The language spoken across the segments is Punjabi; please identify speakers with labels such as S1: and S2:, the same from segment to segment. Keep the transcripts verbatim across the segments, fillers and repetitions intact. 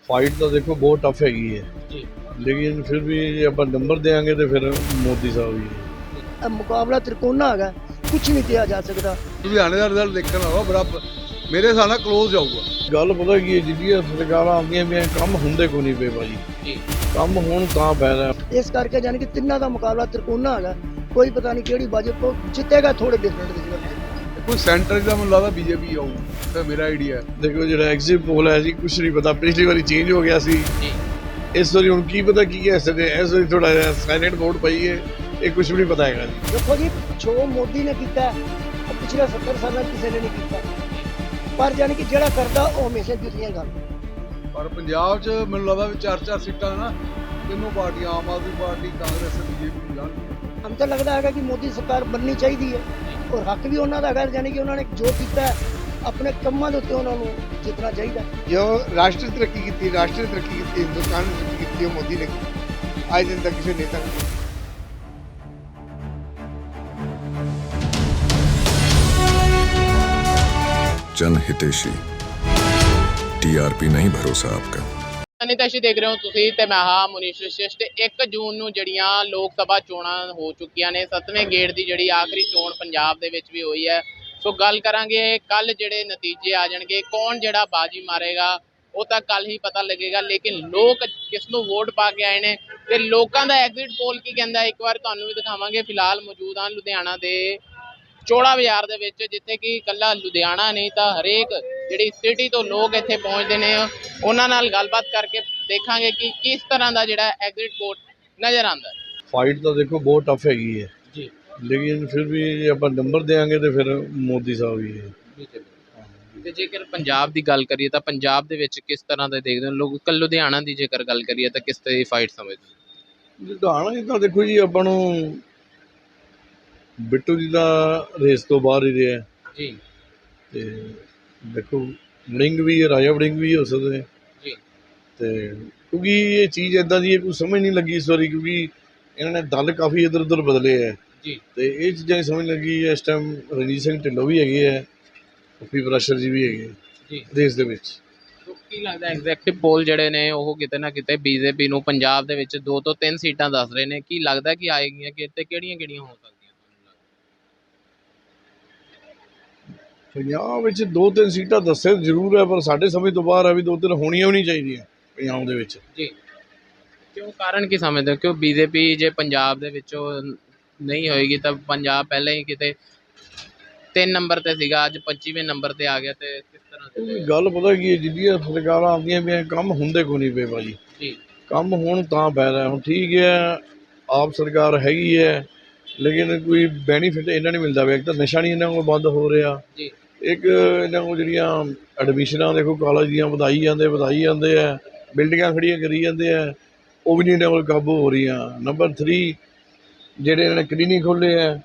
S1: फाइट तो देखो बहुत टफ हैगी है,
S2: जी
S1: लेकिन फिर भी ਜੇ ਆਪਾਂ ਨੰਬਰ ਦੇਾਂਗੇ ਤੇ ਫਿਰ ਮੋਦੀ ਸਾਹਿਬ ਹੀ ਹੈ।
S3: ਇਹ ਮੁਕਾਬਲਾ ਤ੍ਰਿਕੋਣਾ ਹੈਗਾ, ਕੁਝ ਨਹੀਂ ਕਿਹਾ ਜਾ ਸਕਦਾ।
S4: ਲੁਧਿਆਣੇ ਦਾ ਰਿਜ਼ਲਟ ਦੇਖਣ ਆਵਾ ਬਰਾਬਰ ਮੇਰੇ ਹਿਸਾਬ ਨਾਲ ਕਲੋਜ਼ ਜਾਊਗਾ।
S1: ਗੱਲ ਪਤਾ ਕੀ ਹੈ, ਜਿਹੜੀਆਂ ਸਰਕਾਰਾਂ ਆਉਂਦੀਆਂ ਵੀ ਕੰਮ ਹੁੰਦੇ ਕੋਈ ਨਹੀਂ ਪਏ ਭਾਜੀ,
S2: ਜੀ
S1: ਕੰਮ ਹੁਣ ਤਾਂ ਫਾਇਦਾ।
S3: ਇਸ ਕਰਕੇ ਜਾਨੀ ਕਿ ਤਿੰਨਾਂ ਦਾ ਮੁਕਾਬਲਾ ਤ੍ਰਿਕੋਣਾ ਹੈਗਾ, ਕੋਈ ਪਤਾ ਨਹੀਂ ਕਿਹੜੀ ਬਾਜੀ ਤੋਂ ਜਿੱਤੇਗਾ। ਥੋੜੇ ਡਿਫਰੈਂਟ ਦੇ ਜਿਹੜਾ
S4: ਕੋਈ ਸੈਂਟਰ ਦਾ ਮੈਨੂੰ ਲੱਗਦਾ ਬੀਜੇਪੀ ਆਊ, ਤੇ ਮੇਰਾ ਆਈਡੀਆ
S1: ਦੇਖੋ ਜਿਹੜਾ ਐਗਜ਼ਿਟ ਪੋਲ ਹੈ ਜੀ, ਕੁਛ ਨਹੀਂ ਪਤਾ। ਪਿਛਲੀ ਵਾਰੀ ਚੇਂਜ ਹੋ ਗਿਆ ਸੀ,
S2: ਜੀ
S1: ਇਸ ਵਾਰੀ ਹੁਣ ਕੀ ਪਤਾ ਕੀ ਕਹਿ ਸਕਦੇ। ਇਸ ਵਾਰੀ ਥੋੜਾ ਜਿਹਾ ਸਾਇਲੈਂਟ ਵੋਟ ਪਈ ਹੈ, ਇਹ ਕੁਛ ਵੀ ਨਹੀਂ ਪਤਾ ਹੈਗਾ ਜੀ।
S3: ਦੇਖੋ ਜੀ, ਜੋ ਮੋਦੀ ਨੇ ਕੀਤਾ ਉਹ ਪਿਛਲੇ ਸੱਤਰ ਸਾਲਾਂ ਕਿਸੇ ਨੇ ਨਹੀਂ ਕੀਤਾ, ਪਰ ਜਾਨੀ ਕਿ ਜਿਹੜਾ ਕਰਦਾ ਉਹ ਹਮੇਸ਼ਾ ਜਿੱਤੀਆਂ ਗੱਲ।
S4: ਪਰ ਪੰਜਾਬ 'ਚ ਮੈਨੂੰ ਲੱਗਦਾ ਵੀ ਚਾਰ ਚਾਰ ਸੀਟਾਂ ਨਾ ਤਿੰਨੋਂ ਪਾਰਟੀਆਂ, ਆਮ ਆਦਮੀ ਪਾਰਟੀ, ਕਾਂਗਰਸ, ਬੀਜੇਪੀ ਜਾਣਗੀਆਂ।
S3: ਹਮ ਤਾਂ ਲੱਗਦਾ ਹੈਗਾ ਕਿ ਮੋਦੀ ਸਰਕਾਰ ਬਣਨੀ ਚਾਹੀਦੀ ਹੈ, ਔਰ ਹੱਕ ਵੀ ਉਹਨਾਂ ਦਾ ਹੈਗਾ। ਜਾਨੀ ਕਿ ਉਹਨਾਂ ਨੇ ਜੋ ਕੀਤਾ ਆਪਣੇ ਕੰਮਾਂ ਦੇ ਉੱਤੇ ਉਹਨਾਂ ਨੂੰ ਜਿੱਤਣਾ ਚਾਹੀਦਾ।
S5: जो राष्ट्र तरक्की की राष्ट्र तरक्की की हिंदुस्तान ने तरक्की की मोदी ने की, आज दिन तक किसी नेता ने।
S6: जन हितेशी टीआरपी नहीं भरोसा आपका।
S2: ਅਨਿਤੈਸ਼ੀ ਦੇਖ ਰਹੇ ਹੋ ਤੁਸੀਂ ਤੇ ਮੈਂ ਹਾਂ ਮੁਨੀਸ਼ ਵਿਸ਼ੇਸ਼। ਤੇ ਇੱਕ ਜੂਨ ਨੂੰ ਜਿਹੜੀਆਂ ਲੋਕ ਸਭਾ ਚੋਣਾਂ ਹੋ ਚੁੱਕੀਆਂ ਨੇ, ਸੱਤਵੇਂ ਗੇੜ ਦੀ ਜਿਹੜੀ ਆਖਰੀ ਚੋਣ ਪੰਜਾਬ ਦੇ ਵਿੱਚ ਵੀ ਹੋਈ ਹੈ। ਸੋ ਗੱਲ ਕਰਾਂਗੇ ਕੱਲ ਜਿਹੜੇ ਨਤੀਜੇ ਆ ਜਾਣਗੇ, ਕੌਣ ਜਿਹੜਾ ਬਾਜੀ ਮਾਰੇਗਾ ਉਹ ਤਾਂ ਕੱਲ ਹੀ ਪਤਾ ਲੱਗੇਗਾ। ਲੇਕਿਨ ਲੋਕ ਕਿਸ ਨੂੰ ਵੋਟ ਪਾ ਕੇ ਆਏ ਨੇ ਤੇ ਲੋਕਾਂ ਦਾ ਐਗਜ਼ਿਟ ਪੋਲ ਕੀ ਕਹਿੰਦਾ, ਇੱਕ ਵਾਰ ਤੁਹਾਨੂੰ ਵੀ ਦਿਖਾਵਾਂਗੇ। ਫਿਲਹਾਲ ਮੌਜੂਦ ਹਾਂ ਲੁਧਿਆਣਾ ਦੇ ਚੋੜਾ ਬਾਜ਼ਾਰ ਦੇ ਵਿੱਚ, ਜਿੱਥੇ ਕਿ ਇਕੱਲਾ ਲੁਧਿਆਣਾ ਨਹੀਂ ਤਾਂ ਹਰੇਕ ਜਿਹੜੀ ਸਿਟੀ ਤੋਂ ਲੋਕ ਇੱਥੇ ਪਹੁੰਚਦੇ ਨੇ। ਉਹਨਾਂ ਨਾਲ ਗੱਲਬਾਤ ਕਰਕੇ ਦੇਖਾਂਗੇ ਕਿ ਕਿਸ ਤਰ੍ਹਾਂ ਦਾ ਜਿਹੜਾ ਐਗਜ਼ਿਟ ਪੋਲ ਨਜ਼ਰ ਆਉਂਦਾ।
S1: ਫਾਈਟ ਤਾਂ ਦੇਖੋ ਬਹੁਤ ਟਫ ਹੈਗੀ ਹੈ
S2: ਜੀ
S1: ਲੇਕਿਨ ਫਿਰ ਵੀ ਜੇ ਆਪਾਂ ਨੰਬਰ ਦੇਾਂਗੇ ਤੇ ਫਿਰ ਮੋਦੀ ਸਾਹਿਬ ਹੀ ਹੈ।
S2: ਤੇ ਜੇਕਰ ਪੰਜਾਬ ਦੀ ਗੱਲ ਕਰੀਏ ਤਾਂ ਪੰਜਾਬ ਦੇ ਵਿੱਚ ਕਿਸ ਤਰ੍ਹਾਂ ਦੇ ਦੇਖਦੇ ਹੋ ਲੋਕ? ਕੱਲ ਲੁਧਿਆਣਾ ਦੀ ਜੇਕਰ ਗੱਲ ਕਰੀਏ ਤਾਂ ਕਿਸ ਤਰ੍ਹਾਂ ਦੀ ਫਾਈਟ ਸਮਝਦੇ?
S1: ਲੁਧਿਆਣਾ ਜੀ ਤਾਂ ਦੇਖੋ ਜੀ, ਆਪਾਂ ਨੂੰ ਬਿੱਟੂ ਜੀ ਦਾ ਰੇਸ ਤੋਂ ਬਾਹਰ ਹੀ ਰਿਹਾ
S2: ਜੀ
S1: ਤੇ ਦੇਖੋ ਵੜਿੰਗ ਵੀ ਹੈ, ਰਾਜਾ ਵੜਿੰਗ ਵੀ ਹੋ ਸਕਦੇ
S2: ਜੀ
S1: ਤੇ ਕਿਉਂਕਿ ਇਹ ਚੀਜ਼ ਇੱਦਾਂ ਦੀ ਹੈ, ਕੋਈ ਸਮਝ ਨਹੀਂ ਲੱਗੀ ਇਸ ਵਾਰੀ, ਕਿਉਂਕਿ ਇਹਨਾਂ ਨੇ ਦਲ ਕਾਫੀ ਇੱਧਰ ਉੱਧਰ ਬਦਲੇ ਹੈ
S2: ਜੀ
S1: ਤੇ ਇਹ ਚੀਜ਼ਾਂ ਦੀ ਸਮਝ ਲੱਗੀ। ਇਸ ਟਾਈਮ ਰਣਜੀਤ ਸਿੰਘ ਢਿੱਲੋਂ ਵੀ ਹੈਗੇ ਹੈ, ਪੱਪੀ ਪ੍ਰੈਸ਼ਰ ਜੀ ਵੀ ਹੈਗੇ
S2: ਜੀ
S1: ਦੇਸ਼ ਦੇ ਵਿੱਚ।
S2: ਕੀ ਲੱਗਦਾ ਐਗਜ਼ੈਕਟਿਵ ਪੋਲ ਜਿਹੜੇ ਨੇ ਉਹ ਕਿਤੇ ਨਾ ਕਿਤੇ ਬੀਜੇਪੀ ਨੂੰ ਪੰਜਾਬ ਦੇ ਵਿੱਚ ਦੋ ਤੋਂ ਤਿੰਨ ਸੀਟਾਂ ਦੱਸ ਰਹੇ ਨੇ? ਕੀ ਲੱਗਦਾ ਕਿ ਆਏਗੀਆਂ, ਕਿ ਇੱਥੇ ਕਿਹੜੀਆਂ ਕਿਹੜੀਆਂ ਹੋ ਸਕਦੀਆਂ?
S1: ਪੰਜਾਬ ਵਿੱਚ ਦੋ ਤਿੰਨ ਸੀਟਾਂ ਦੱਸੇ ਜ਼ਰੂਰ ਹੈ, ਪਰ ਸਾਡੇ ਸਮਝ ਤੋਂ ਬਾਹਰ ਹੈ ਵੀ ਦੋ ਤਿੰਨ ਹੋਣੀਆਂ ਵੀ ਨਹੀਂ ਚਾਹੀਦੀਆਂ ਪੰਜਾਬ ਦੇ ਵਿੱਚ।
S2: ਜੀ ਕਿਉਂ, ਕਾਰਨ ਕੀ ਸਮਝਦੇ ਹੋ? ਕਿਉਂ ਬੀਜੇਪੀ ਜੇ ਪੰਜਾਬ ਦੇ ਵਿੱਚੋਂ ਨਹੀਂ ਹੋਏਗੀ ਤਾਂ ਪੰਜਾਬ ਪਹਿਲਾਂ ਹੀ ਕਿਤੇ ਤਿੰਨ ਨੰਬਰ ਤੇ ਸੀਗਾ, ਅੱਜ ਪੱਚੀਵੇਂ ਨੰਬਰ ਤੇ ਆ ਗਿਆ, ਤੇ ਕਿਸ ਤਰ੍ਹਾਂ
S1: ਕਿਉਂਕਿ ਗੱਲ ਪਤਾ ਕੀ ਹੈ, ਜਿਹੜੀਆਂ ਸਰਕਾਰਾਂ ਆਉਂਦੀਆਂ ਵੀ ਕੰਮ ਹੁੰਦੇ ਕੋਈ ਨਹੀਂ ਪਏ ਭਾਜੀ,
S2: ਜੀ
S1: ਕੰਮ ਹੁਣ ਤਾਂ ਫਾਇਦਾ। ਹੁਣ ਠੀਕ ਹੈ ਆਪ ਸਰਕਾਰ ਹੈਗੀ ਹੈ, ਲੇਕਿਨ ਕੋਈ ਬੈਨੀਫਿਟ ਇਹਨਾਂ ਨਹੀਂ ਮਿਲਦਾ ਪਿਆ। ਇੱਕ ਤਾਂ ਨਸ਼ਾ ਨਹੀਂ ਇਹਨਾਂ ਕੋਲ ਬੰਦ ਹੋ ਰਿਹਾ,
S2: ਜੀ
S1: ਇੱਕ ਇਹਨਾਂ ਕੋਲ ਜਿਹੜੀਆਂ ਐਡਮਿਸ਼ਨਾਂ ਦੇਖੋ ਕਾਲਜ ਦੀਆਂ ਵਧਾਈ ਜਾਂਦੇ ਵਧਾਈ ਜਾਂਦੇ ਆ, ਬਿਲਡਿੰਗਾਂ ਖੜੀਆਂ ਕਰੀ ਜਾਂਦੇ ਆ, ਉਹ ਵੀ ਨਹੀਂ ਇਹਨਾਂ ਕੋਲ ਕਾਬੂ ਹੋ ਰਹੀਆਂ। ਨੰਬਰ ਥਰੀ ਜਿਹੜੇ ਇਹਨਾਂ ਨੇ ਕਲੀਨਿਕ ਖੋਲ੍ਹੇ ਆ,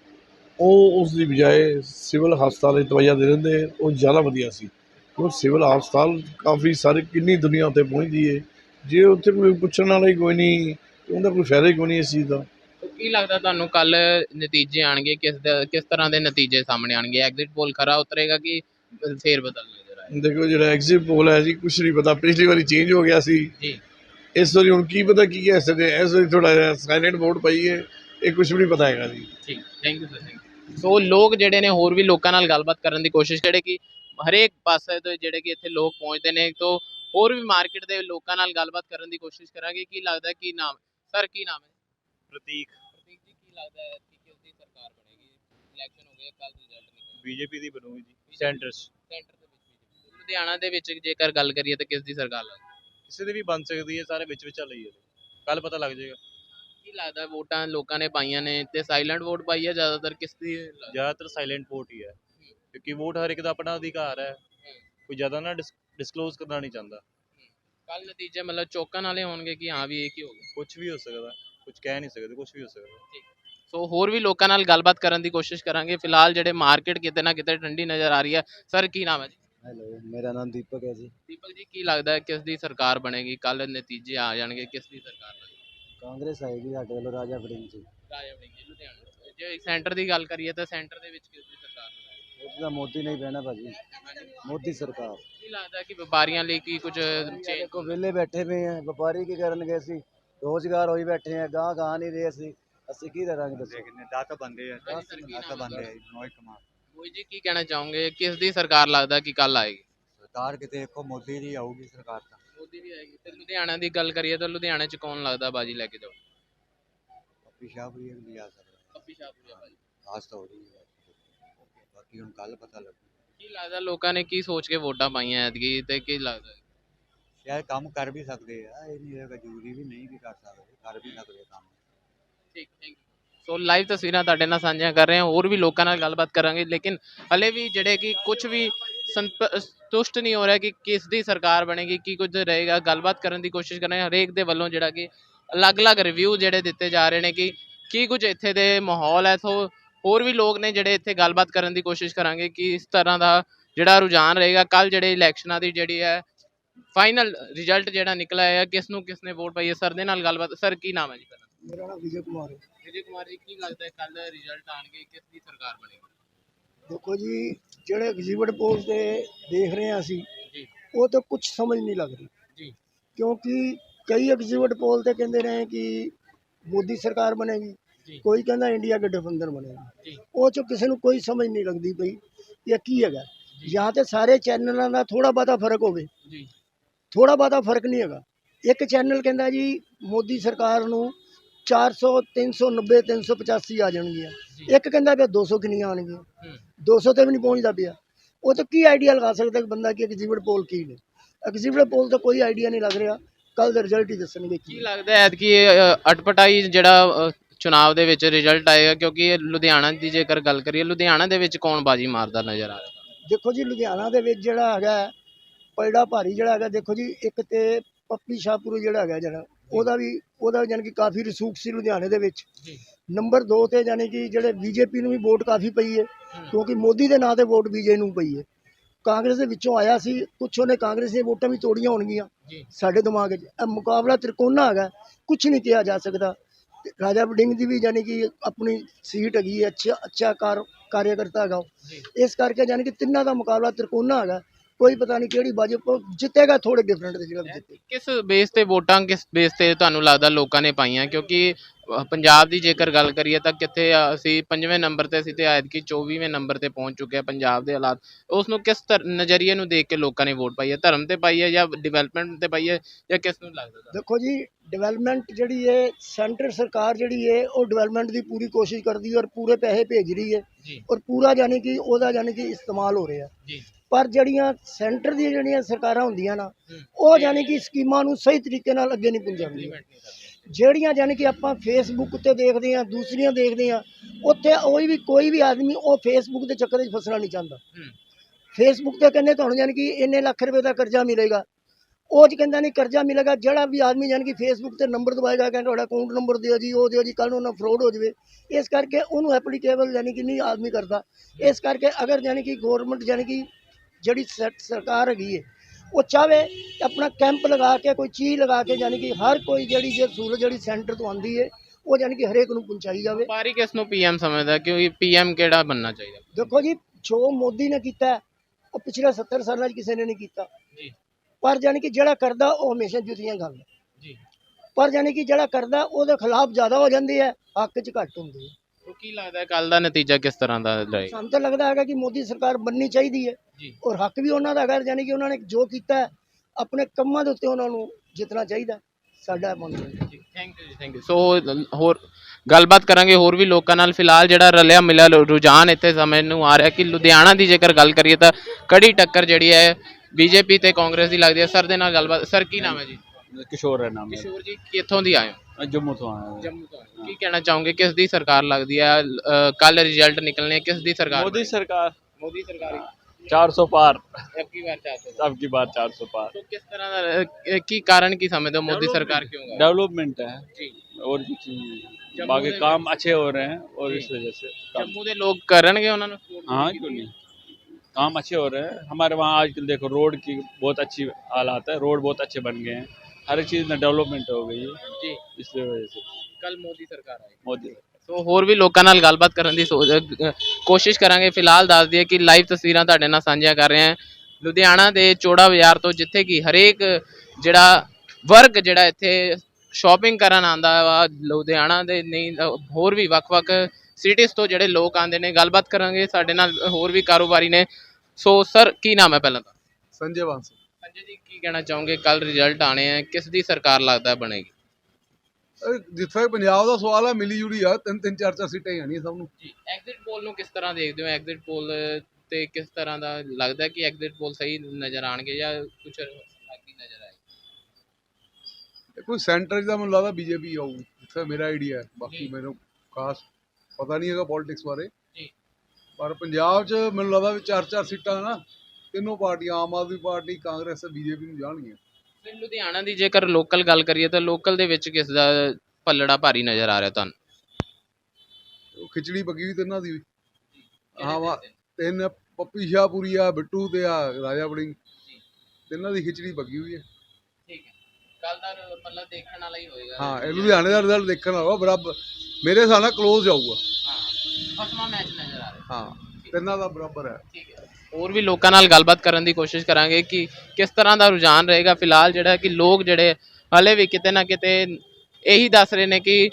S1: ਉਹ ਉਸ ਦੀ ਬਜਾਏ ਸਿਵਲ ਹਸਪਤਾਲ ਵਿੱਚ ਦਵਾਈਆਂ ਦੇ ਦਿੰਦੇ, ਉਹ ਜ਼ਿਆਦਾ ਵਧੀਆ ਸੀ। ਕਿਉਂ ਸਿਵਲ ਹਸਪਤਾਲ ਕਾਫੀ ਸਾਰੇ ਕਿੰਨੀ ਦੁਨੀਆ ਉੱਤੇ ਪਹੁੰਚਦੀ ਹੈ, ਜੇ ਉੱਥੇ ਕੋਈ ਪੁੱਛਣ ਵਾਲਾ ਹੀ ਕੋਈ ਨਹੀਂ ਉਹਦਾ ਕੋਈ ਫਾਇਦਾ ਹੀ ਕੋਈ ਨਹੀਂ ਇਸ ਚੀਜ਼ ਦਾ।
S2: ਕੀ ਲੱਗਦਾ ਤੁਹਾਨੂੰ ਕੱਲ ਨਤੀਜੇ ਆਣਗੇ, ਕਿਸ ਦਾ ਕਿਸ ਤਰ੍ਹਾਂ ਦੇ ਨਤੀਜੇ ਸਾਹਮਣੇ ਆਣਗੇ? ਐਗਜ਼ਿਟ ਪੋਲ ਖਰਾ ਉਤਰੇਗਾ ਕਿ ਫੇਰ ਬਦਲ ਨਜ਼ਰ ਆਏ?
S1: ਦੇਖੋ ਜਿਹੜਾ ਐਗਜ਼ਿਟ ਪੋਲ ਹੈ ਜੀ, ਕੁਛ ਨਹੀਂ ਪਤਾ। ਪਿਛਲੀ ਵਾਰੀ ਚੇਂਜ ਹੋ ਗਿਆ ਸੀ,
S2: ਜੀ
S1: ਇਸ ਵਾਰੀ ਹੁਣ ਕੀ ਪਤਾ ਕੀ ਕਹਿ ਸਕਦੇ। ਇਸ ਵਾਰੀ ਥੋੜਾ ਜਿਹਾ ਸਾਇਲੈਂਟ ਵੋਟ ਪਈ ਹੈ, ਇਹ ਕੁਛ ਵੀ ਨਹੀਂ ਪਤਾ ਹੈਗਾ ਜੀ।
S2: ਠੀਕ, thank you sir, thank you. So ਲੋਕ ਜਿਹੜੇ ਨੇ ਹੋਰ ਵੀ ਲੋਕਾਂ ਨਾਲ ਗੱਲਬਾਤ ਕਰਨ ਦੀ ਕੋਸ਼ਿਸ਼, ਜਿਹੜੇ ਕਿ ਹਰੇਕ ਪਾਸੇ ਤੋਂ ਜਿਹੜੇ ਕਿ ਇੱਥੇ ਲੋਕ ਪਹੁੰਚਦੇ ਨੇ, ਤੋਂ ਹੋਰ ਵੀ ਮਾਰਕੀਟ ਦੇ ਲੋਕਾਂ ਨਾਲ ਗੱਲਬਾਤ ਕਰਨ ਦੀ ਕੋਸ਼ਿਸ਼ ਕਰਾਂਗੇ। ਕੀ ਲੱਗਦਾ, ਕੀ ਨਾਮ ਸਰ, ਕੀ ਨਾਮ ਹੈ?
S7: ਪ੍ਰਤੀਕ।
S2: ਪ੍ਰਤੀਕ ਜੀ, ਕੀ ਲੱਗਦਾ ਹੈ ਕਿ ਕਿਸ ਦੀ ਸਰਕਾਰ ਬਣੇਗੀ? ਇਲੈਕਸ਼ਨ ਹੋ ਗਏ, ਕੱਲ ਰਿਜ਼ਲਟ ਨਿਕਲਿਆ,
S7: ਬੀਜੇਪੀ ਦੀ ਬਣੂਗੀ ਜੀ ਸੈਂਟਰ 'ਚ।
S2: ਸੈਂਟਰ ਦੇ ਵਿੱਚ ਬੀਜੇਪੀ। ਲੁਧਿਆਣਾ ਦੇ ਵਿੱਚ ਜੇਕਰ ਗੱਲ ਕਰੀਏ ਤਾਂ ਕਿਸ ਦੀ ਸਰਕਾਰ ਲੱਗਦੀ?
S7: ਕਿਸੇ ਦੀ ਵੀ ਬਣ ਸਕਦੀ ਹੈ, ਸਾਰੇ ਵਿੱਚ ਵਿੱਚ ਚੱਲ ਰਹੀ ਹੈ, ਕੱਲ ਪਤਾ ਲੱਗ ਜਾਏਗਾ।
S2: ਕੀ ਲੱਗਦਾ ਵੋਟਾਂ ਲੋਕਾਂ ਨੇ ਪਾਈਆਂ ਨੇ ਤੇ ਸਾਇਲੈਂਟ ਵੋਟ ਪਾਈ ਹੈ ਜ਼ਿਆਦਾਤਰ, ਕਿਸ ਦੀ?
S7: ਜ਼ਿਆਦਾਤਰ ਸਾਇਲੈਂਟ ਵੋਟ ਹੀ ਹੈ, ਕਿਉਂਕਿ ਵੋਟ ਹਰ ਇੱਕ ਦਾ ਆਪਣਾ ਅਧਿਕਾਰ ਹੈ, ਕੋਈ ਜ਼ਿਆਦਾ ਨਾ ਡਿਸਕਲੋਜ਼ ਕਰਨਾ ਨਹੀਂ ਚਾਹੁੰਦਾ।
S2: ਕੱਲ ਨਤੀਜੇ ਮਤਲਬ ਚੌਕਣ ਵਾਲੇ ਹੋਣਗੇ ਕਿ ਹਾਂ ਵੀ ਇਹ ਕੀ ਹੋ ਗਿਆ?
S7: ਕੁਝ ਵੀ ਹੋ ਸਕਦਾ, ਕੁਝ ਕਹਿ ਨਹੀਂ ਸਕਦੇ, ਕੁਝ ਵੀ ਹੋ ਸਕਦਾ।
S2: ਸੋ ਹੋਰ ਵੀ ਲੋਕਾਂ ਨਾਲ ਗੱਲਬਾਤ ਕਰਨ ਦੀ ਕੋਸ਼ਿਸ਼ ਕਰਾਂਗੇ। ਫਿਲਹਾਲ ਜਿਹੜੇ ਮਾਰਕੀਟ ਕਿਤੇ ਨਾ ਕਿਤੇ ਠੰਡੀ ਨਜ਼ਰ ਆ ਰਹੀ ਹੈ। ਸਰ ਕੀ ਨਾਮ ਹੈ ਜੀ?
S8: ਹੈਲੋ, ਮੇਰਾ ਨਾਮ ਦੀਪਕ ਹੈ ਜੀ।
S2: ਦੀਪਕ ਜੀ, ਕੀ ਲੱਗਦਾ ਹੈ ਕਿਸ ਦੀ ਸਰਕਾਰ ਬਣੇਗੀ? ਕੱਲ ਨਤੀਜੇ ਆ ਜਾਣਗੇ, ਕਿਸ ਦੀ ਸਰਕਾਰ ਬਣੇਗੀ?
S8: ਕਾਂਗਰਸ ਆਏਗੀ ਸਾਡੇ ਵੱਲੋਂ, ਰਾਜਾ ਵੜਿੰਗ ਜੀ।
S2: ਰਾਜਾ ਵੜਿੰਗ ਜੀ ਲੁਧਿਆਣਾ। ਜੇ ਸੈਂਟਰ ਦੀ ਗੱਲ ਕਰੀਏ ਤਾਂ ਸੈਂਟਰ ਦੇ ਵਿੱਚ ਕਿਸ ਦੀ ਸਰਕਾਰ ਬਣੇਗੀ?
S8: ਉਹਦਾ ਮੋਦੀ ਨਹੀਂ ਬਹਿਣਾ ਭਾਜੀ, ਮੋਦੀ ਸਰਕਾਰ।
S2: ਕੀ ਲੱਗਦਾ ਕਿ ਵਪਾਰੀਆਂ ਲਈ ਕੀ ਕੁਝ ਚੇਂਜ
S8: ਦੇਖੋ ਵਿਹਲੇ ਬੈਠੇ ਪਏ ਆ, ਵਪਾਰੀ ਕੀ ਕਰਨਗੇ? ਅਸੀਂ ਰੋਜ਼ਗਾਰ ਹੋਈ ਬੈਠੇ ਆ, ਗਾਂ ਗਾਂ ਨਹੀਂ ਰਹੇ ਅਸੀਂ ਅਸੀਂ ਕੀ ਕਰਾਂਗੇ ਦੱਸੋ?
S9: ਦਾਤਾ ਬੰਦੇ ਆ
S2: ਹਾਂਜੀ ਸਰ, ਕੀ
S9: ਦਾਤਾ
S2: ਨਾਮ ਹੈ
S9: ਬੰਦੇ
S2: ਤੁਹਾਡਾ?
S9: ਆ ਮੋਹਿਤ ਕੁਮਾਰ।
S2: ਮੋਈ ਜੀ ਕੀ ਕਹਿਣਾ ਚਾਹੋਗੇ, ਕਿਸ ਦੀ ਸਰਕਾਰ ਲੱਗਦਾ ਕਿ ਕੱਲ ਆਏਗੀ?
S9: ਸਰਕਾਰ ਕਿਤੇ ਦੇਖੋ ਮੋਦੀ ਦੀ ਆਊਗੀ ਸਰਕਾਰ ਤਾਂ।
S2: ਮੋਦੀ ਦੀ ਆਏਗੀ। ਤੇ ਲੁਧਿਆਣਾ ਦੀ ਗੱਲ ਕਰੀਏ ਤਾਂ ਲੁਧਿਆਣੇ ਚ ਕੌਣ ਲੱਗਦਾ ਬਾਜੀ ਲੈ ਕੇ ਜਾਓ?
S9: ਪੱਪੀ ਸ਼ਾਹਪੁਰੀ ਵੀ ਆ ਸਕਦਾ,
S2: ਪੱਪੀ ਸ਼ਾਹਪੁਰੀਆ ਬਾਜੀ।
S9: ਆਸ ਤਾਂ ਹੋ ਰਹੀ ਹੈ, ਬਾਕੀ ਹੁਣ ਕੱਲ ਪਤਾ ਲੱਗੂ।
S2: ਕੀ ਲੱਗਦਾ ਲੋਕਾਂ ਨੇ ਕੀ ਸੋਚ ਕੇ ਵੋਟਾਂ ਪਾਈਆਂ ਐਤਕੀ, ਤੇ ਕੀ ਲੱਗਦਾ?
S9: ਸ਼ਾਇਦ ਕੰਮ ਕਰ ਵੀ ਸਕਦੇ ਆ, ਇਹ ਨਹੀਂ ਹੈਗਾ ਜ਼ਰੂਰੀ ਵੀ ਨਹੀਂ ਵੀ ਕਰ ਸਕਦੇ, ਕਰ ਵੀ ਸਕਦੇ ਕੰਮ।
S2: ਠੀਕ, ਥੈਂਕ ਯੂ। ਸੋ ਲਾਈਵ ਤਸਵੀਰਾਂ ਤੁਹਾਡੇ ਨਾਲ ਸਾਂਝੀਆਂ ਕਰ ਰਹੇ ਹਾਂ, ਹੋਰ ਵੀ ਲੋਕਾਂ ਨਾਲ ਗੱਲਬਾਤ ਕਰਾਂਗੇ, ਲੇਕਿਨ ਹਲੇ ਵੀ ਜਿਹੜੇ ਕਿ ਕੁਝ ਵੀ ਸੰਤ- ਸੰਤੁਸ਼ਟ ਨਹੀਂ ਹੋ ਰਿਹਾ ਕਿ ਕਿਸ ਦੀ ਸਰਕਾਰ ਬਣੇਗੀ, ਕੀ ਕੁਝ ਰਹੇਗਾ। ਗੱਲਬਾਤ ਕਰਨ ਦੀ ਕੋਸ਼ਿਸ਼ ਕਰ ਰਹੇ ਹਾਂ ਹਰੇਕ ਦੇ ਵੱਲੋਂ, ਜਿਹੜਾ ਕਿ ਅਲੱਗ-ਅਲੱਗ ਰਿਵਿਊ ਜਿਹੜੇ ਦਿੱਤੇ ਜਾ ਰਹੇ ਨੇ ਕਿ ਕੀ ਕੁਝ ਇੱਥੇ ਦੇ ਮਾਹੌਲ ਹੈ। ਸੋ ਹੋਰ ਵੀ ਲੋਕ ਨੇ ਜਿਹੜੇ ਇੱਥੇ ਗੱਲਬਾਤ ਕਰਨ ਦੀ ਕੋਸ਼ਿਸ਼ ਕਰਾਂਗੇ ਕਿ ਇਸ ਤਰ੍ਹਾਂ ਦਾ ਜਿਹੜਾ ਰੁਝਾਨ ਰਹੇਗਾ। ਕੱਲ ਜਿਹੜੇ ਇਲੈਕਸ਼ਨਾਂ ਦੀ ਜਿਹੜੀ ਹੈ ਫਾਈਨਲ ਰਿਜ਼ਲਟ ਜਿਹੜਾ ਨਿਕਲਿਆ ਹੈ, ਕਿਸ ਨੂੰ ਕਿਸ ਨੇ ਵੋਟ ਪਾਈ ਹੈ। ਸਰ ਦੇ ਨਾਲ ਗੱਲਬਾਤ। ਸਰ ਕੀ ਨਾਮ ਹੈ ਜੀ ਪਹਿਲਾਂ?
S3: ਮੇਰਾ ਨਾਮ ਵਿਜੇ ਕੁਮਾਰ ਹੈ।
S2: ਵਿਜੇ ਕੁਮਾਰ ਜੀ, ਕੀ ਲੱਗਦਾ ਹੈ ਕੱਲ ਰਿਜ਼ਲਟ ਆਣਗੇ, ਕਿਸ ਦੀ ਸਰਕਾਰ ਬਣੇਗੀ?
S3: ਦੇਖੋ ਜੀ, ਜਿਹੜੇ ਐਗਜ਼ੀਬਿਟ ਪੋਲ ਤੇ ਦੇਖ ਰਹੇ ਹਾਂ ਅਸੀਂ,
S2: ਜੀ
S3: ਉਹ ਤਾਂ ਕੁਝ ਸਮਝ ਨਹੀਂ ਲੱਗ ਰਹੀ,
S2: ਜੀ
S3: ਕਿਉਂਕਿ ਕਈ ਐਗਜ਼ੀਬਿਟ ਪੋਲ ਤੇ ਕਹਿੰਦੇ ਰਹੇ ਕਿ ਮੋਦੀ ਸਰਕਾਰ ਬਣੇਗੀ,
S2: ਜੀ
S3: ਕੋਈ ਕਹਿੰਦਾ ਇੰਡੀਆ ਗਠਬੰਧਨ ਬਣੇਗਾ।
S2: ਜੀ
S3: ਉਹ 'ਚੋਂ ਕਿਸੇ ਨੂੰ ਕੋਈ ਸਮਝ ਨਹੀਂ ਲੱਗਦੀ ਪਈ ਇਹ ਕੀ ਹੈਗਾ। ਜਾਂ ਤੇ ਸਾਰੇ ਚੈਨਲਾਂ ਦਾ ਥੋੜਾ ਬਹੁਤਾ ਫਰਕ ਹੋਵੇ,
S2: ਜੀ
S3: ਥੋੜਾ ਬਹੁਤਾ ਫਰਕ ਨਹੀਂ ਹੈਗਾ। ਇੱਕ ਚੈਨਲ ਕਹਿੰਦਾ ਜੀ ਮੋਦੀ ਸਰਕਾਰ ਨੂੰ ਚਾਰ ਸੌ ਤਿੰਨ ਸੌ ਨੱਬੇ ਤਿੰਨ ਸੌ ਪਚਾਸੀ ਆ ਜਾਣਗੀਆਂ, ਇੱਕ ਕਹਿੰਦਾ ਪਿਆ ਦੋ ਸੌ ਕਿੰਨੀਆਂ ਆਉਣਗੀਆਂ,
S2: ਹੂੰ
S3: ਦੋ ਸੌ ਤੇ ਵੀ ਨਹੀਂ ਪਹੁੰਚਦਾ ਪਿਆ। ਉਹ ਤਾਂ ਕੀ ਆਈਡੀਆ ਲਗਾ ਸਕਦਾ ਕਿ ਬੰਦਾ ਕਿ ਐਗਜ਼ੀਬਿਟ ਪੋਲ ਕੀ ਨੇ। ਐਗਜ਼ੀਬਿਟ ਪੋਲ ਤਾਂ ਕੋਈ ਆਈਡੀਆ ਨਹੀਂ ਲੱਗ ਰਿਹਾ, ਕੱਲ ਦਾ ਰਿਜ਼ਲਟ ਹੀ ਦੱਸਣਗੇ
S2: ਕੀ
S3: ਕੀ।
S2: ਲੱਗਦਾ ਹੈ ਐਤਕੀ ਅਟਪਟਾਈ ਜਿਹੜਾ ਅ, ਚੁਣਾਵ ਦੇ ਵਿੱਚ ਰਿਜ਼ਲਟ ਆਏਗਾ? ਕਿਉਂਕਿ ਲੁਧਿਆਣਾ ਦੀ ਜੇਕਰ ਗੱਲ ਕਰੀਏ, ਲੁਧਿਆਣਾ ਦੇ ਵਿੱਚ ਕੌਣ ਬਾਜੀ ਮਾਰਦਾ ਨਜ਼ਰ ਆ ਰਿਹਾ?
S3: ਦੇਖੋ ਜੀ, ਲੁਧਿਆਣਾ ਦੇ ਵਿੱਚ ਜਿਹੜਾ ਹੈਗਾ ਪਲੜਾ ਭਾਰੀ ਜਿਹੜਾ ਹੈਗਾ, ਦੇਖੋ ਜੀ, ਇੱਕ ਤੇ ਪੱਪੀ ਸ਼ਾਹਪੁਰ ਜਿਹੜਾ ਹੈਗਾ ਜਿਹੜਾ ਉਹਦਾ ਵੀ ਉਹਦਾ ਯਾਨੀ ਕਿ ਕਾਫੀ ਰਸੂਖ ਸੀ ਲੁਧਿਆਣੇ ਦੇ ਵਿੱਚ।
S2: ਜੀ
S3: ਨੰਬਰ ਦੋ ਤੇ ਯਾਨੀ ਕਿ ਜਿਹੜੇ ਬੀਜੇਪੀ ਨੂੰ ਵੀ ਵੋਟ ਕਾਫੀ ਪਈ ਹੈ, ਕਿਉਂਕਿ ਮੋਦੀ ਦੇ ਨਾਂ ਤੇ ਵੋਟ ਬੀਜੇ ਨੂੰ ਪਈ ਹੈ। ਕਾਂਗਰਸ ਦੇ ਵਿੱਚੋਂ ਆਇਆ ਸੀ ਕੁਛ, ਉਹਨੇ ਕਾਂਗਰਸ ਦੀਆਂ ਵੋਟਾਂ ਵੀ ਤੋੜੀਆਂ ਹੋਣਗੀਆਂ
S2: ਜੀ
S3: ਸਾਡੇ ਦਿਮਾਗ 'ਚ। ਇਹ ਮੁਕਾਬਲਾ ਤ੍ਰਿਕੋਣਾ ਹੈਗਾ, ਕੁਛ ਨਹੀਂ ਕਿਹਾ ਜਾ ਸਕਦਾ। ਤੇ ਰਾਜਾ ਵੜਿੰਗ ਦੀ ਵੀ ਯਾਨੀ ਕਿ ਆਪਣੀ ਸੀਟ ਹੈਗੀ ਹੈ, ਅੱਛਾ ਅੱਛਾ ਕਾਰ ਕਾਰਿਆਕਰਤਾ ਹੈਗਾ ਉਹ।
S2: ਜੀ
S3: ਇਸ ਕਰਕੇ ਯਾਨੀ ਕਿ ਤਿੰਨਾਂ ਦਾ ਮੁਕਾਬਲਾ ਤ੍ਰਿਕੋਣਾ ਹੈਗਾ, ਕੋਈ ਪਤਾ ਨਹੀਂ ਕਿਹੜੀ ਬਾਜੀ ਜਿੱਤੇਗਾ। ਥੋੜੇ ਡਿਫਰੈਂਟ ਦੇ ਜਿਹੜਾ ਜਿੱਤੇ।
S2: ਕਿਸ ਬੇਸ ਤੇ ਵੋਟਾਂ ਕਿਸ ਬੇਸ ਤੇ ਤੁਹਾਨੂੰ ਲੱਗਦਾ ਲੋਕਾਂ ਨੇ ਪਾਈਆਂ? ਕਿਉਂਕਿ ਅ, ਪੰਜਾਬ ਦੀ ਜੇਕਰ ਗੱਲ ਕਰੀਏ ਤਾਂ ਕਿੱਥੇ ਅ, ਅਸੀਂ ਪੰਜਵੇਂ ਨੰਬਰ ਤੇ ਸੀ ਤੇ ਐਤਕੀ ਚੌਵੀਵੇਂ ਨੰਬਰ ਤੇ ਪਹੁੰਚ ਚੁੱਕੇ ਆ ਪੰਜਾਬ ਦੇ ਹਾਲਾਤ। ਉਸ ਨੂੰ ਕਿਸ ਤਰ- ਨਜ਼ਰੀਏ ਨੂੰ ਦੇਖ ਕੇ ਲੋਕਾਂ ਨੇ ਵੋਟ ਪਾਈ ਹੈ? ਧਰਮ ਤੇ ਪਾਈ ਹੈ ਜਾਂ ਡਿਵੈਲਪਮੈਂਟ ਤੇ ਪਾਈ ਹੈ, ਜਾਂ ਕਿਸ ਨੂੰ ਲੱਗਦਾ ਤੁਹਾਨੂੰ?
S3: ਦੇਖੋ ਜੀ, ਡਿਵੈਲਪਮੈਂਟ ਜਿਹੜੀ ਹੈ ਸੈਂਟਰ ਸਰਕਾਰ ਜਿਹੜੀ ਹੈ ਉਹ ਡਿਵੈਲਪਮੈਂਟ ਦੀ ਪੂਰੀ ਕੋਸ਼ਿਸ਼ ਕਰਦੀ ਹੈ ਔਰ ਪੂਰੇ ਪੈਸੇ ਭੇਜ ਰਹੀ ਹੈ
S2: ਜੀ
S3: ਔਰ ਪੂਰਾ ਯਾਨੀ ਕਿ ਉਹਦਾ ਯਾਨੀ ਕਿ ਇਸਤੇਮਾਲ ਹੋ ਰਿਹਾ।
S2: ਜੀ
S3: ਪਰ ਜਿਹੜੀਆਂ ਸੈਂਟਰ ਦੀਆਂ ਜਿਹੜੀਆਂ ਸਰਕਾਰਾਂ ਹੁੰਦੀਆਂ ਨਾ,
S2: ਹੂੰ।
S3: ਉਹ ਯਾਨੀ ਕਿ ਸਕੀਮਾਂ ਨੂੰ ਸਹੀ ਤਰੀਕੇ ਨਾਲ ਅੱਗੇ ਨਹੀਂ ਪਹੁੰਚਾਉਂਦੀਆਂ।
S2: ਇੰਪਲੀਮੈਂਟ ਨਹੀਂ ਕਰਦੇ।
S3: ਜਿਹੜੀਆਂ ਯਾਨੀ ਕਿ ਆਪਾਂ ਫੇਸਬੁੱਕ ਉੱਤੇ ਦੇਖਦੇ ਹਾਂ, ਦੂਸਰੀਆਂ ਦੇਖਦੇ ਹਾਂ, ਉੱਥੇ ਕੋਈ ਵੀ ਕੋਈ ਵੀ ਆਦਮੀ ਉਹ ਫੇਸਬੁੱਕ ਦੇ ਚੱਕਰ 'ਚ ਫਸਣਾ ਨਹੀਂ ਚਾਹੁੰਦਾ।
S2: ਹੂੰ
S3: ਫੇਸਬੁੱਕ ਤੇ ਕਹਿੰਦੇ ਤੁਹਾਨੂੰ ਯਾਨੀ ਕਿ ਇੰਨੇ ਲੱਖ ਰੁਪਏ ਦਾ ਕਰਜ਼ਾ ਮਿਲੇਗਾ, ਉਹ 'ਚ ਕਹਿੰਦਾ ਨਹੀਂ ਕਰਜ਼ਾ ਮਿਲੇਗਾ। ਜਿਹੜਾ ਵੀ ਆਦਮੀ ਯਾਨੀ ਕਿ ਫੇਸਬੁੱਕ ਤੇ ਨੰਬਰ ਦਵਾਏਗਾ, ਕਹਿੰਦਾ ਤੁਹਾਡਾ ਅਕਾਊਂਟ ਨੰਬਰ ਦਿਓ ਜੀ, ਉਹ ਦਿਓ ਜੀ, ਕੱਲ੍ਹ ਨੂੰ ਉਹਨਾਂ ਫਰੋਡ ਹੋ ਜਾਵੇ। ਇਸ ਕਰਕੇ ਉਹਨੂੰ ਐਪਲੀਕੇਬਲ ਯਾਨੀ ਕਿ ਨਹੀਂ ਆਦਮੀ ਕਰਦਾ। ਇਸ ਕਰਕੇ ਅਗਰ ਯਾਨੀ ਕਿ ਗੌਰਮੈਂਟ ਯਾਨੀ ਕਿ ਜਿਹੜੀ ਸਰ- ਸਰਕਾਰ ਹੈਗੀ ਹੈ ਉਹ ਚਾਹਵੇ ਆਪਣਾ ਕੈਂਪ ਲਗਾ ਕੇ ਕੋਈ ਚੀਜ਼ ਲਗਾ ਕੇ ਯਾਨੀ ਕਿ ਹਰ ਕੋਈ ਜਿਹੜੀ ਜੇ ਸਹੂਲਤ ਜਿਹੜੀ ਸੈਂਟਰ ਤੋਂ ਆਉਂਦੀ ਹੈ ਉਹ ਯਾਨੀ ਕਿ ਹਰੇਕ ਨੂੰ ਪਹੁੰਚਾਈ ਜਾਵੇ।
S2: ਵਪਾਰੀ ਕਿਸ ਨੂੰ ਪੀਐਮ ਸਮਝਦਾ? ਕਿਉਂਕਿ ਪੀਐਮ ਕਿਹੜਾ ਬਣਨਾ ਚਾਹੀਦਾ?
S3: ਦੇਖੋ ਜੀ, ਜੋ ਮੋਦੀ ਨੇ ਕੀਤਾ ਹੈ, ਉਹ ਪਿਛਲੇ ਸੱਤਰ ਸਾਲਾਂ 'ਚ ਕਿਸੇ ਨੇ ਨਹੀਂ ਕੀਤਾ।
S2: ਜੀ
S3: ਪਰ ਯਾਨੀ ਕਿ ਜਿਹੜਾ ਕਰਦਾ ਉਹ ਹਮੇਸ਼ਾ ਜੁੱਤੀਆਂ ਖਾਂਦਾ।
S2: ਜੀ
S3: ਪਰ ਯਾਨੀ ਕਿ ਜਿਹੜਾ ਕਰਦਾ ਉਹਦੇ ਖਿਲਾਫ ਜ਼ਿਆਦਾ ਹੋ ਜਾਂਦੀ ਹੈ, ਹੱਕ 'ਚ ਘੱਟ ਹੁੰਦੀ ਹੈ।
S2: ਉਹ ਕੀ ਲੱਗਦਾ ਕੱਲ ਦਾ ਨਤੀਜਾ ਕਿਸ ਤਰ੍ਹਾਂ ਦਾ ਰਹੇਗਾ?
S3: ਸਾਨੂੰ ਤਾਂ ਲੱਗਦਾ ਹੈਗਾ ਕਿ ਮੋਦੀ ਸਰਕਾਰ ਬਣਨੀ ਚਾਹੀਦੀ ਹੈ
S2: ਜੀ
S3: ਔਰ ਹੱਕ ਵੀ ਉਹਨਾਂ ਦਾ ਹੈਗਾ। ਯਾਨੀ ਕਿ ਉਹਨਾਂ ਨੇ ਜੋ ਕੀਤਾ ਹੈ ਆਪਣੇ ਕੰਮਾਂ ਦੇ ਉੱਤੇ ਉਹਨਾਂ ਨੂੰ ਜਿੱਤਣਾ ਚਾਹੀਦਾ। ਸਾਡਾ ਮੰਨ ਹੈ।
S2: ਥੈਂਕ ਯੂ ਜੀ, ਥੈਂਕ ਯੂ। ਸੋ ਹੋਰ ਗੱਲਬਾਤ ਕਰਾਂਗੇ ਹੋਰ ਵੀ ਲੋਕਾਂ ਨਾਲ। ਫਿਲਹਾਲ ਜਿਹੜਾ ਰਲਿਆ ਮਿਲਿਆ ਰੁਝਾਨ ਇੱਥੇ ਸਮਝ ਨੂੰ ਆ ਰਿਹਾ ਕਿ ਲੁਧਿਆਣਾ ਦੀ ਜੇਕਰ ਗੱਲ ਕਰੀਏ ਤਾਂ ਕੜੀ ਟੱਕਰ ਜਿਹੜੀ ਹੈ ਬੀਜੇਪੀ ਤੇ ਕਾਂਗਰਸ ਦੀ ਲੱਗਦੀ ਹੈ। ਸਰ ਦੇ ਨਾਲ ਗੱਲਬਾਤ। ਸਰ ਕੀ ਨਾਮ ਹੈ ਜੀ?
S9: ਕਿਸ਼ੋਰ ਹੈ ਨਾਮ
S2: ਕਿਸ਼ੋਰ ਜੀ, ਕਿੱਥੋਂ ਦੀ ਆਏ ਹੋ?
S9: ਜੰਮੂ ਤੋਂ ਆਇਆ
S2: ਜੰਮੂ ਤੋਂ ਆਏ। ਕੀ ਕਹਿਣਾ ਚਾਹੋਗੇ, ਕਿਸ ਦੀ ਸਰਕਾਰ ਲੱਗਦੀ ਹੈ? ਕੱਲ ਰਿਜ਼ਲਟ ਨਿਕਲਣੇ, ਕਿਸ ਦੀ ਸਰਕਾਰ?
S9: मोदी सरकार
S2: ਮੋਦੀ ਸਰਕਾਰ
S9: चार सौ पार
S2: अब की बार चाहते हो?
S9: अब की बात चार सौ पार
S2: तो किस तरह ਦਾ ਅ, ਕੀ ਕਾਰਨ ਕੀ ਸਮਝਦੇ ਹੋ ਮੋਦੀ ਸਰਕਾਰ क्यों है?
S9: डेवलपमेंट है
S2: जी
S9: और कुछ नहीं।
S2: जम्मू
S9: बाकी
S2: में-
S9: काम अच्छे हो रहे हैं और
S2: जी।
S9: इस वजह से काम-
S2: जम्मू ਦੇ ਲੋਕ ਕਰਨਗੇ ਉਹਨਾਂ ਨੂੰ support?
S9: हाँ क्यों नहीं, काम अच्छे हो रहे हैं हमारे वहाँ। आजकल देखो रोड की बहुत अच्छी हालात है, रोड बहुत अच्छे बन गए हैं, हर एक चीज़ में डेवलपमेंट हो गई है
S2: जी
S9: इसलिए वजह से
S2: कल मोदी सरकार आई।
S9: मोदी
S2: ਸੋ ਹੋਰ ਵੀ ਲੋਕਾਂ ਨਾਲ ਗੱਲਬਾਤ ਕਰਨ ਦੀ ਸੋਚ ਅ, ਕੋਸ਼ਿਸ਼ ਕਰਾਂਗੇ। ਫਿਲਹਾਲ ਦੱਸ ਦਈਏ ਕਿ ਲਾਈਵ ਤਸਵੀਰਾਂ ਤੁਹਾਡੇ ਨਾਲ ਸਾਂਝੀਆਂ ਕਰ ਰਹੇ ਹਾਂ ਲੁਧਿਆਣਾ ਦੇ ਚੌੜਾ ਬਾਜ਼ਾਰ ਤੋਂ, ਜਿੱਥੇ ਕਿ ਹਰੇਕ ਜਿਹੜਾ ਵਰਗ ਜਿਹੜਾ ਇੱਥੇ ਸ਼ਾਪਿੰਗ ਕਰਨ ਆਉਂਦਾ ਵਾ। ਲੁਧਿਆਣਾ ਦੇ ਨਹੀਂ ਅ, ਹੋਰ ਵੀ ਵੱਖ-ਵੱਖ ਸਿਟੀਜ਼ ਤੋਂ ਜਿਹੜੇ ਲੋਕ ਆਉਂਦੇ ਨੇ। ਗੱਲਬਾਤ ਕਰਾਂਗੇ, ਸਾਡੇ ਨਾਲ ਹੋਰ ਵੀ ਕਾਰੋਬਾਰੀ ਨੇ। ਸੋ ਸਰ, ਕੀ ਨਾਮ ਹੈ ਪਹਿਲਾਂ ਤਾਂ?
S4: ਸੰਜੇ ਬਾਂਸਲ।
S2: ਸੰਜੇ ਜੀ, ਕੀ ਕਹਿਣਾ ਚਾਹੋਗੇ? ਕੱਲ ਰਿਜ਼ਲਟ ਆਣੇ ਆ, ਕਿਸ ਦੀ ਸਰਕਾਰ ਲੱਗਦਾ ਬਣੇਗੀ?
S4: ਅਰੇ ਜਿੱਥੇ ਪੰਜਾਬ ਦਾ ਸਵਾਲ ਆ, ਮਿਲੀ ਜੁਲੀ ਆ, ਤਿੰਨ ਤਿੰਨ ਚਾਰ ਚਾਰ ਸੀਟਾਂ ਹੀ ਆਣੀਆਂ ਸਭ ਨੂੰ।
S2: ਜੀ, ਐਗਜ਼ਿਟ ਪੋਲ ਨੂੰ ਕਿਸ ਤਰ੍ਹਾਂ ਦੇਖਦੇ ਹੋ? ਐਗਜ਼ਿਟ ਪੋਲ ਤੇ ਕਿਸ ਤਰ੍ਹਾਂ ਦਾ ਲੱਗਦਾ ਕਿ ਐਗਜ਼ਿਟ ਪੋਲ ਸਹੀ ਨਜ਼ਰ ਆਣਗੇ ਜਾਂ ਕੁਝ ਅਲੱਗ ਹੀ ਨਜ਼ਰ ਆਏਗਾ?
S4: ਇਹ ਕੋਈ ਸੈਂਟਰ ਦਾ ਮੈਨੂੰ ਲੱਗਦਾ ਬੀਜੇਪੀ ਆਊ, ਜਿੱਥੇ ਮੇਰਾ ਆਈਡੀਆ ਹੈ। ਬਾਕੀ ਮੈਨੂੰ ਖਾਸ ਪਤਾ ਨਹੀਂ ਹੈਗਾ ਪੋਲਿਟਿਕਸ ਬਾਰੇ
S2: ਜੀ।
S4: ਪਰ ਪੰਜਾਬ 'ਚ ਮੈਨੂੰ ਲੱਗਦਾ ਵੀ ਚਾਰ ਚਾਰ ਸੀਟਾਂ ਨਾ ਤਿੰਨੋਂ ਪਾਰਟੀਆਂ, ਆਮ ਆਦਮੀ ਪਾਰਟੀ, ਕਾਂਗਰਸ ਤੇ ਬੀਜੇਪੀ ਨੂੰ ਜਾਣਗੀਆਂ।
S2: ਤੇ ਲੁਧਿਆਣਾ ਦੀ ਜੇਕਰ ਲੋਕਲ ਗੱਲ ਕਰੀਏ ਤਾਂ ਲੋਕਲ ਦੇ ਵਿੱਚ ਕਿਸ ਦਾ ਪੱਲੜਾ ਭਾਰੀ ਨਜ਼ਰ ਆ ਰਿਹਾ ਤੁਹਾਨੂੰ?
S4: ਉਹ ਖਿਚੜੀ ਪੱਕੀ ਵੀ ਤਿੰਨਾਂ ਦੀ ਵੀ। ਹਾਂ ਵਾ ਤਿੰਨ, ਪੱਪੀ ਸ਼ਾਹਪੁਰੀ ਆ, ਬਿੱਟੂ ਤੇ ਆ ਰਾਜਾ ਵੜਿੰਗ, ਤਿੰਨਾਂ ਦੀ ਖਿਚੜੀ ਪੱਕੀ ਹੋਈ ਹੈ।
S2: ਠੀਕ ਹੈ, ਕੱਲ ਦਾ ਮਤਲਬ ਦੇਖਣ ਵਾਲਾ ਹੀ ਹੋਏਗਾ।
S4: ਹਾਂ, ਇਹ ਲੁਧਿਆਣੇ ਦਾ ਰਿਜ਼ਲਟ ਦੇਖਣ ਵਾਲਾ ਬਰਾਬਰ, ਮੇਰੇ ਹਿਸਾਬ ਨਾਲ ਕਲੋਜ਼ ਜਾਊਗਾ।
S2: ਹਾਂ, ਫਸਮਾ ਮੈਚ ਨਜ਼ਰ ਆ ਰਿਹਾ।
S4: ਹਾਂ, ਤਿੰਨਾਂ ਦਾ ਬਰਾਬਰ ਹੈ।
S2: ਠੀਕ ਹੈ, ਹੋਰ ਵੀ ਲੋਕਾਂ ਨਾਲ ਗੱਲਬਾਤ ਕਰਨ ਦੀ ਕੋਸ਼ਿਸ਼ ਕਰਾਂਗੇ ਕਿ ਕਿਸ ਤਰ੍ਹਾਂ ਦਾ ਰੁਝਾਨ ਰਹੇਗਾ। ਫਿਲਹਾਲ ਜਿਹੜਾ ਕਿ ਲੋਕ ਜਿਹੜੇ ਹਾਲੇ ਵੀ ਕਿਤੇ ਨਾ ਕਿਤੇ ਇਹੀ ਦੱਸ ਰਹੇ ਨੇ ਕਿ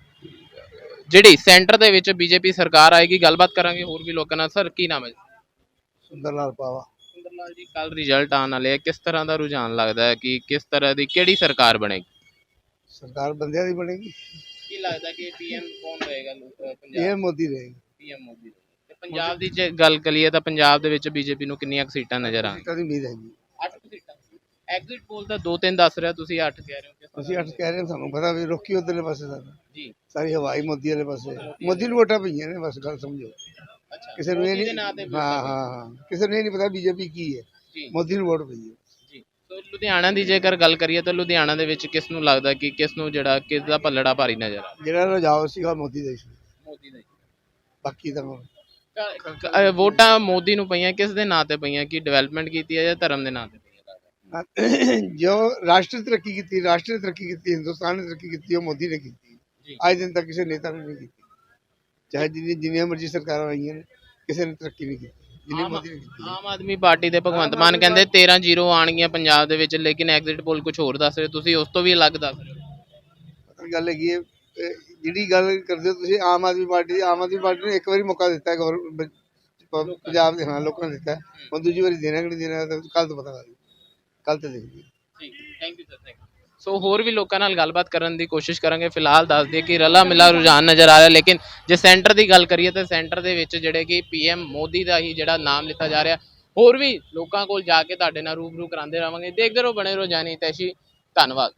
S2: ਜਿਹੜੀ ਸੈਂਟਰ ਦੇ ਵਿੱਚ ਬੀਜੇਪੀ ਸਰਕਾਰ ਆਏਗੀ। ਗੱਲਬਾਤ ਕਰਾਂਗੇ ਹੋਰ ਵੀ ਲੋਕਾਂ ਨਾਲ। ਸਰ, ਕੀ ਨਾਮ ਹੈ?
S5: ਸੁੰਦਰ ਲਾਲ ਪਾਵਾ।
S2: ਸੁੰਦਰ ਲਾਲ ਜੀ, ਕੱਲ ਰਿਜ਼ਲਟ ਆਉਣ ਵਾਲੇ ਆ, ਕਿਸ ਤਰ੍ਹਾਂ ਦਾ ਰੁਝਾਨ ਲੱਗਦਾ ਹੈ ਕਿ ਕਿਸ ਤਰ੍ਹਾਂ ਦੀ ਕਿਹੜੀ ਸਰਕਾਰ ਬਣੇਗੀ?
S5: ਸਰਕਾਰ ਬੰਦਿਆਂ ਦੀ ਬਣੇਗੀ।
S2: ਕੀ ਲੱਗਦਾ ਕਿ ਪੀਐਮ ਕੌਣ ਰਹੇਗਾ
S5: ਇਹ
S2: ਪੰਜਾਬ?
S5: ਮੋਦੀ ਰਹੇਗੀ।
S2: ਪੀਐਮ ਮੋਦੀ। ਤੇ ਪੰਜਾਬ ਦੀ ਜੇ ਗੱਲ ਕਰੀਏ ਤਾਂ ਪੰਜਾਬ ਦੇ ਵਿੱਚ ਬੀਜੇਪੀ ਨੂੰ ਕਿੰਨੀਆਂ ਕੁ ਸੀਟਾਂ ਨਜ਼ਰ ਆਉਣ?
S5: ਸੀਟਾਂ ਦੀ ਉਮੀਦ ਹੈਗੀ।
S2: ਅੱਠ ਸੀਟਾਂ। ਐਗਜ਼ਿਟ ਪੋਲ ਤਾਂ ਦੋ ਤਿੰਨ ਦੱਸ ਰਿਹਾ, ਤੁਸੀਂ ਅੱਠ ਕਹਿ ਰਹੇ ਹੋ। ਕਿਸ ਤਰ੍ਹਾਂ
S5: ਅਸੀਂ ਅੱਠ ਕਹਿ ਰਹੇ ਹਾਂ, ਸਾਨੂੰ ਪਤਾ ਵੀ ਰੋਕੀ ਉਧਰਲੇ ਪਾਸੇ ਸਾਡਾ
S2: ਜੀ।
S5: ਸਾਰੀ ਹਵਾਈ ਮੋਦੀ ਵਾਲੇ ਪਾਸੇ। ਮੋਦੀ ਨੂੰ ਵੋਟਾਂ ਪਈਆਂ ਨੇ, ਬਸ ਗੱਲ ਸਮਝੋ।
S2: ਅੱਛਾ,
S5: ਕਿਸੇ ਨੂੰ ਇਹ
S2: ਮੋਦੀ ਦੇ
S5: ਨਹੀਂ,
S2: ਨਾਂ ਤੇ
S5: ਹਾਂ ਹਾਂ ਹਾਂ, ਕਿਸੇ ਨੂੰ ਇਹ ਨਹੀਂ ਪਤਾ ਬੀਜੇਪੀ ਕੀ ਹੈ।
S2: ਜੀ
S5: ਮੋਦੀ ਨੂੰ ਵੋਟ ਪਈ ਹੈ।
S2: ਜੀ। ਸੋ ਲੁਧਿਆਣਾ ਦੀ ਜੇਕਰ ਗੱਲ ਕਰੀਏ ਤਾਂ ਲੁਧਿਆਣਾ ਦੇ ਵਿੱਚ ਕਿਸ ਨੂੰ ਲੱਗਦਾ ਕਿ ਕਿਸ ਨੂੰ ਜਿਹੜਾ ਕਿਸ ਦਾ ਪੱਲੜਾ ਭਾਰੀ ਨਜ਼ਰ ਆ?
S5: ਜਿਹੜਾ ਰੁਝਾਨ ਸੀਗਾ ਮੋਦੀ ਦਾ ਹੀ ਸੀ।
S2: ਮੋਦੀ ਦਾ ਹੀ।
S5: ਬਾਕੀ ਤਾਂ
S2: ਕ- ਕ- ਅ, ਵੋਟਾਂ ਮੋਦੀ ਨੂੰ ਪਈਆਂ, ਕਿਸ ਦੇ ਨਾਂ ਤੇ ਪਈਆਂ? ਕਿ ਡਿਵੈਲਪਮੈਂਟ ਕੀਤੀ ਹੈ ਜਾਂ ਧਰਮ ਦੇ ਨਾਂ ਤੇ ਪਈਆਂ?
S5: ਜੋ ਰਾਸ਼ਟਰੀ ਤਰੱਕੀ ਕੀਤੀ, ਰਾਸ਼ਟਰੀ ਤਰੱਕੀ ਕੀਤੀ, ਹਿੰਦੁਸਤਾਨ ਨੇ ਤਰੱਕੀ ਕੀਤੀ, ਉਹ ਮੋਦੀ ਨੇ ਕੀਤੀ।
S2: ਜੀ।
S5: ਅੱਜ ਦਿਨ ਤੱਕ ਕਿਸੇ ਨੇਤਾ ਨੇ ਨਹੀਂ ਕੀਤੀ। ਚਾਹੇ ਜਿੰਨੀ ਜਿੰਨੀਆਂ ਮਰਜ਼ੀ ਸਰਕਾਰਾਂ ਆਈਆਂ ਨੇ, ਕਿਸੇ ਨੇ ਤਰੱਕੀ ਨਹੀਂ ਕੀਤੀ ਜਿੰਨੀ
S2: ਆਮ
S5: ਮੋਦੀ ਨੇ ਕੀਤੀ।
S2: ਆਮ ਆਦਮੀ ਪਾਰਟੀ ਦੇ ਭਗਵੰਤ ਮਾਨ ਕਹਿੰਦੇ ਤੇਰਾਂ ਜ਼ੀਰੋ ਆਣਗੀਆਂ ਪੰਜਾਬ ਦੇ ਵਿੱਚ, ਲੇਕਿਨ ਐਗਜ਼ਿਟ ਪੋਲ ਕੁਝ ਹੋਰ ਦੱਸ ਰਹੇ, ਤੁਸੀਂ ਉਸ ਤੋਂ ਵੀ ਅਲੱਗ ਦੱਸ ਰਹੇ ਹੋ।
S5: ਪਤਾ ਗੱਲ ਹੈਗੀ ਹੈ, ਇਹ ਜਿਹੜੀ ਗੱਲ ਕਰਦੇ ਹੋ ਤੁਸੀਂ ਆਮ ਆਦਮੀ ਪਾਰਟੀ ਦੀ, ਆਮ ਆਦਮੀ ਪਾਰਟੀ ਨੇ ਇੱਕ ਵਾਰੀ ਮੌਕਾ ਦਿੱਤਾ ਹੈ ਗੌਰ ਪੰਜਾਬ ਦੇ, ਹਾਂ ਲੋਕਾਂ ਨੇ ਦਿੱਤਾ ਹੈ। ਹੁਣ ਦੂਜੀ ਵਾਰੀ ਦੇਣਾ ਕਿ ਨਹੀਂ ਦੇਣਾ, ਤਾਂ ਕੱਲ ਤੋਂ ਪਤਾ ਲੱਗ ਕੱਲ ਤੇ ਦੇਖੀਏ।
S2: ਠੀਕ, thank you sir, thank you. So ਹੋਰ ਵੀ ਲੋਕਾਂ ਨਾਲ ਗੱਲਬਾਤ ਕਰਨ ਦੀ ਕੋਸ਼ਿਸ਼ ਕਰਾਂਗੇ। ਫਿਲਹਾਲ ਦੱਸ ਦਈਏ ਕਿ ਰਲਾ ਮਿਲਾ ਰੁਝਾਨ ਨਜ਼ਰ ਆ ਰਿਹਾ, ਲੇਕਿਨ ਜੇ ਸੈਂਟਰ ਦੀ ਗੱਲ ਕਰੀਏ ਤਾਂ ਸੈਂਟਰ ਦੇ ਵਿੱਚ ਜਿਹੜੇ ਕਿ ਪੀਐਮ ਮੋਦੀ ਦਾ ਹੀ ਜਿਹੜਾ ਨਾਮ ਲਿੱਤਾ ਜਾ ਰਿਹਾ। ਹੋਰ ਵੀ ਲੋਕਾਂ ਕੋਲ ਜਾ ਕੇ ਤੁਹਾਡੇ ਨਾਲ ਰੂਬਰੂ ਕਰਾਉਂਦੇ ਰਹਾਂਗੇ। ਦੇਖਦੇ ਰਹੋ, ਬਣੇ ਰਹੋ ਜਾਨੀ ਤੈਸ਼ੀ। ਧੰਨਵਾਦ।